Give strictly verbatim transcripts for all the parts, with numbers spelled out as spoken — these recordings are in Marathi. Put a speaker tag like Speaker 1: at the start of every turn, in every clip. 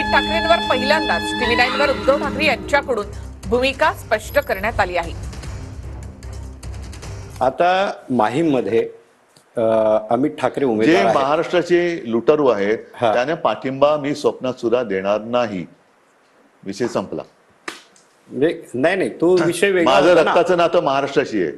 Speaker 1: अमित ठाकरेंवर पहिल्यांदाच टीव्ही नाईन वर उद्धव ठाकरे यांच्याकडून भूमिका स्पष्ट करण्यात आली आहे.
Speaker 2: आता माहीममध्ये अमित ठाकरे उमेदवार
Speaker 3: जे
Speaker 2: आहेत.
Speaker 3: महाराष्ट्राचे लुटारू आहेत
Speaker 2: हा.
Speaker 3: त्यांना पाठिंबा मी स्वप्नात सुद्धा देणार नाही. विषय संपला.
Speaker 2: म्हणजे नाही नाही तो विषय वेगळा
Speaker 3: माझं
Speaker 2: होता ना.
Speaker 3: रक्ताचं नातं महाराष्ट्राशी आहे.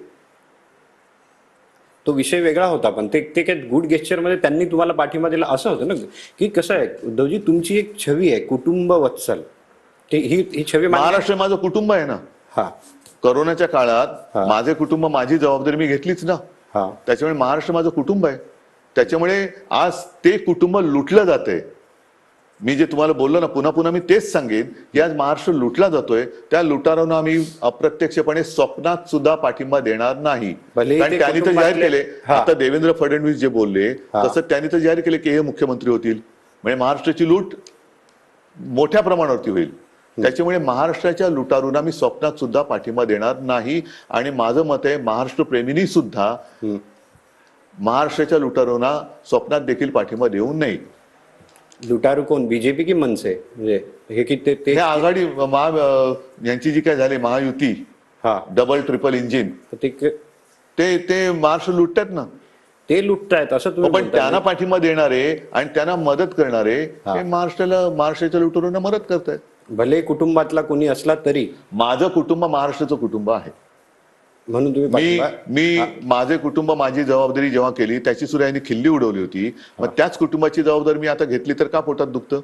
Speaker 2: तो विषय वेगळा होता, पण ते ते काय गुड गेस्चर मध्ये त्यांनी तुम्हाला पाठिंबा दिला असं होतं ना, की कसं आहे उद्धवजी, तुमची एक छवी आहे कुटुंब वत्सल, ते ही ही छवी मान्य-
Speaker 3: महाराष्ट्र माझं कुटुंब आहे ना.
Speaker 2: हा
Speaker 3: करोनाच्या काळात
Speaker 2: हा.
Speaker 3: माझे कुटुंब, माझी जबाबदारी मी घेतलीच ना.
Speaker 2: हा
Speaker 3: त्याच्यामुळे महाराष्ट्र माझं कुटुंब आहे. त्याच्यामुळे आज ते कुटुंब लुटलं जातंय. मी जे तुम्हाला बोललो ना, पुन्हा पुन्हा मी तेच सांगेन की आज महाराष्ट्र लुटला जातोय. त्या लुटारांना आम्ही अप्रत्यक्षपणे स्वप्नात सुद्धा पाठिंबा देणार नाही.
Speaker 2: भले
Speaker 3: कारण
Speaker 2: ते
Speaker 3: त्यांनी तर जाहीर
Speaker 2: कुटुंबातले-
Speaker 3: केले,
Speaker 2: हा.
Speaker 3: आता देवेंद्र फडणवीस जे बोलले
Speaker 2: हा.
Speaker 3: तसं त्यांनी तर जाहीर केले की हे मुख्यमंत्री होतील. म्हणजे महाराष्ट्राची लूट मोठ्या प्रमाणावरती होईल. त्याच्यामुळे महाराष्ट्राच्या लुटारूंना मी स्वप्नात सुद्धा पाठिंबा देणार नाही. आणि माझं मत आहे, महाराष्ट्र प्रेमींनी सुद्धा महाराष्ट्राच्या लुटारूंना स्वप्नात देखील पाठिंबा देऊ नये.
Speaker 2: लुटारू कोण, बीजेपी की मनसे? म्हणजे हे की ते ते
Speaker 3: हे आघाडी महा यांची जी काय झाली महायुती,
Speaker 2: हा
Speaker 3: डबल ट्रिपल इंजिन,
Speaker 2: ते
Speaker 3: ते ते महाराष्ट्र लुटतात ना.
Speaker 2: ते लुटतायत असं तुम्ही
Speaker 3: पण
Speaker 2: म्हणताय.
Speaker 3: त्यांना पाठिंबा देणारे आणि त्यांना मदत करणारे
Speaker 2: हा.
Speaker 3: हे महाराष्ट्राला, महाराष्ट्राच्या लुटारूंना मदत करतायत.
Speaker 2: भले कुटुंबातला कोणी असला तरी
Speaker 3: माझं कुटुंब महाराष्ट्राचं कुटुंब आहे.
Speaker 2: म्हणून तुम्ही
Speaker 3: मी
Speaker 2: पाठिंबा-
Speaker 3: मी माझे कुटुंब, माझी जबाबदारी जेव्हा केली त्याची सुद्धा यांनी खिल्ली उडवली होती. मग त्याच कुटुंबाची जबाबदारी मी आता घेतली तर का पोटात दुखतं?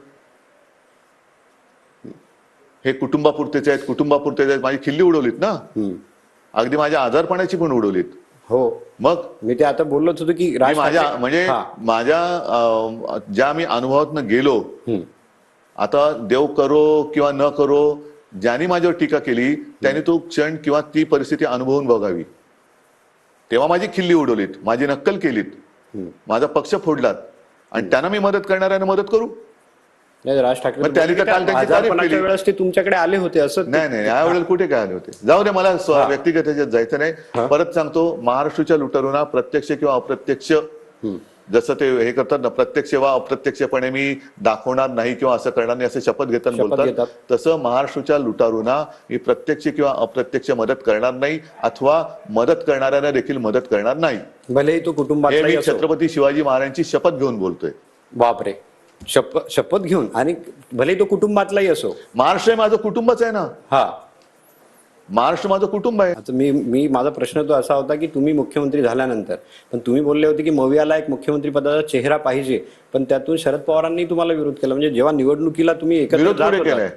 Speaker 3: हे कुटुंबापुरतेच आहेत, कुटुंबापुरतेच आहेत, माझी खिल्ली उडवलीत ना.
Speaker 2: हम्म.
Speaker 3: अगदी माझ्या आजारपणाची पण उडवलीत.
Speaker 2: हो,
Speaker 3: मग
Speaker 2: मी ते आता बोललोच होतो की
Speaker 3: मी
Speaker 2: राज
Speaker 3: माझ्या
Speaker 2: ठाकरे-
Speaker 3: म्हणजे
Speaker 2: हा.
Speaker 3: माझ्या अं, ज्या मी अनुभवातनं गेलो,
Speaker 2: हम्म.
Speaker 3: आता देव करो किंवा न करो, ज्यांनी माझ्यावर टीका केली त्यांनी तो क्षण किंवा ती परिस्थिती अनुभवून बघावी. तेव्हा माझी खिल्ली उडवलीत, माझी नक्कल केलीत, माझा पक्ष फोडलात आणि त्यांना मी मदत करणाऱ्यांना मदत करू.
Speaker 2: नाही, राज ठाकरे
Speaker 3: मग त्यांनी तर काल त्यांची तारीफ
Speaker 2: आजारपणाच्या
Speaker 3: केली.
Speaker 2: वेळेस ते तुमच्याकडे आले होते असं?
Speaker 3: नाही नाही, यावेळेला कुठे काय आले होते? जाऊ दे, मला स्व-
Speaker 2: हा.
Speaker 3: व्यक्तिगत ह्याच्यात जायचं
Speaker 2: हा.
Speaker 3: नाही. परत सांगतो, महाराष्ट्राच्या लुटारूंना प्रत्यक्ष किंवा अप्रत्यक्ष, जसं ते हे करतात ना, प्रत्यक्ष वा अप्रत्यक्षपणे मी दाखवणार नाही किंवा असं करणार नाही, असं शपथ घेताना
Speaker 2: शपथ
Speaker 3: बोलतात,
Speaker 2: घेतात.
Speaker 3: तसं महाराष्ट्राच्या लुटारूंना मी प्रत्यक्ष किंवा अप्रत्यक्ष मदत करणार नाही, अथवा मदत करणाऱ्यांना देखील मदत करणार नाही.
Speaker 2: भलेही तो
Speaker 3: हे
Speaker 2: कुटुंबातलाही
Speaker 3: मी
Speaker 2: असो.
Speaker 3: छत्रपती शिवाजी महाराजांची शपथ घेऊन बोलतोय.
Speaker 2: बापरे, शपथ शपथ घेऊन, आणि भले तो कुटुंबातलाही असो.
Speaker 3: महाराष्ट्र हे माझं कुटुंबच आहे ना.
Speaker 2: हा,
Speaker 3: महाराष्ट्र माझं कुटुंब आहे.
Speaker 2: आता मी मी माझा प्रश्न तो असा होता की तुम्ही मुख्यमंत्री झाल्यानंतर, पण तुम्ही बोलले होते की मवियाला एक मुख्यमंत्री पदाचा चेहरा पाहिजे, पण त्यातून शरद पवारांनी तुम्हाला विरोध केला. म्हणजे जेव्हा निवडणुकीला तुम्ही एकत्र
Speaker 3: विरोध
Speaker 2: जात
Speaker 3: कुठे
Speaker 2: होता-
Speaker 3: केलाय?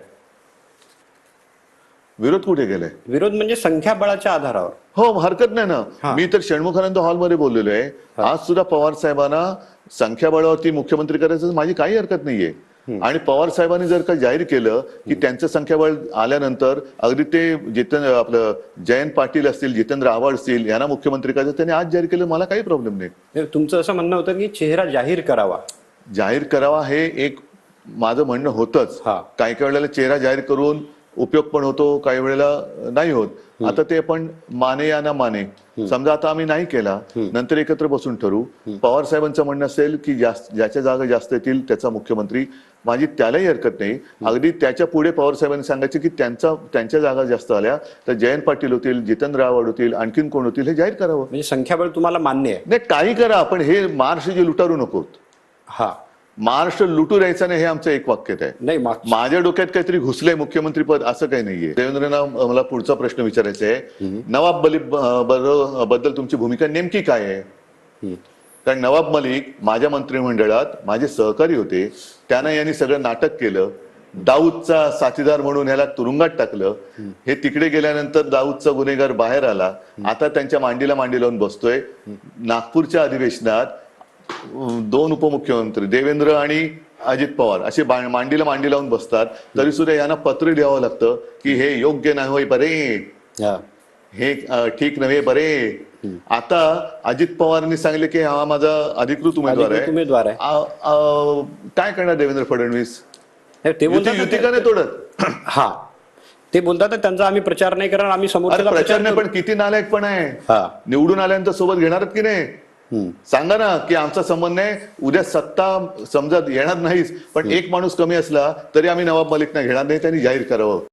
Speaker 3: विरोध कुठे केलाय?
Speaker 2: विरोध म्हणजे संख्याबळाच्या आधारावर.
Speaker 3: हो, हरकत नाही
Speaker 2: हा.
Speaker 3: ना. मी तर षण्मुखानंद हॉलमध्ये बोललेलो आहे. आज सुद्धा पवार साहेबांना संख्याबळावरती मुख्यमंत्री करायचं माझी काही हरकत नाहीये. आणि पवार साहेबांनी जर का जाहीर केलं की त्यांचं संख्याबळ आल्यानंतर अगदी ते जितेंद्र आपलं जयंत पाटील असतील, जितेंद्र आव्हाड असतील, यांना मुख्यमंत्री करायचं, त्यांनी आज जाहीर केलं, मला काही प्रॉब्लेम नाही.
Speaker 2: तुमचं असं म्हणणं होतं की चेहरा जाहीर करावा.
Speaker 3: जाहीर करावा हे एक माझं म्हणणं होतंच.
Speaker 2: हा.
Speaker 3: काही काही वेळेला चेहरा जाहीर करून उपयोग पण होतो, काही वेळेला नाही होत. आता ते पण माने या ना माने, समजा आता आम्ही नाही केला, नंतर एकत्र बसून ठरवू. पवार साहेबांचं म्हणणं असेल की जास्त ज्याच्या जागा जास्त येतील त्याचा मुख्यमंत्री, माझी त्यालाही हरकत नाही. अगदी त्याच्या पुढे पवार साहेबांनी सांगायचे की त्यांचा त्यांच्या जागा जास्त आल्या तर जयंत पाटील होतील, जितेंद्र आव्हाड होतील, आणखीन कोण होतील हे जाहीर करावं.
Speaker 2: म्हणजे संख्याबळ तुम्हाला मान्य आहे?
Speaker 3: नाही, काही करा, पण हे महाराष्ट्र जे लुटारू नकोत.
Speaker 2: हा,
Speaker 3: महाराष्ट्र लुटू द्यायचा नाही, हे आमचं एक वाक्यत आहे.
Speaker 2: नाही, माग-
Speaker 3: माझ्या डोक्यात काहीतरी घुसलंय मुख्यमंत्री पद, असं काही नाहीये. देवेंद्रना मला पुढचा प्रश्न विचारायचा आहे, नवाब मलिक ब- बद्दल तुमची भूमिका नेमकी काय आहे? कारण नवाब मलिक माझ्या मंत्रिमंडळात माझे सहकारी होते. त्यांना यांनी सगळं नाटक केलं, दाऊदचा साथीदार म्हणून ह्याला तुरुंगात टाकलं. हे तिकडे गेल्यानंतर दाऊदचा गुन्हेगार बाहेर आला. आता त्यांच्या मांडीला मांडी लावून बसतोय. नागपूरच्या अधिवेशनात दोन उपमुख्यमंत्री देवेंद्र आणि अजित पवार असे मांडीला मांडी लावून बसतात, तरी सुद्धा यांना पत्र लिहावं लागतं की हे योग्य नाही होय बरे,
Speaker 2: हा.
Speaker 3: हे ठीक नव्हे बरे. आता अजित पवारांनी सांगितले की हा माझा अधिकृत उमेदवार
Speaker 2: अधिकृत उमेदवार आहे.
Speaker 3: आ- आ- काय करणार देवेंद्र फडणवीस?
Speaker 2: हे ते
Speaker 3: युती
Speaker 2: बोलतात
Speaker 3: युती का नाही तोडत?
Speaker 2: हा, ते बोलतात ना, त्यांचा आम्ही प्रचार नाही करणार, आम्ही
Speaker 3: अरे
Speaker 2: समोरच्याचा
Speaker 3: प्रचार नाही,
Speaker 2: करू.
Speaker 3: पण किती नालायक पण आहे.
Speaker 2: हा.
Speaker 3: निवडून आल्यानंतर सोबत घेणारच की नाही? सांगा ना की आमचा संबंध नाही, उद्या सत्ता समजा येणार नाहीच पण एक माणूस कमी असला तरी आम्ही नवाब मलिकना घेणार नाही, त्यांनी जाहीर करावं.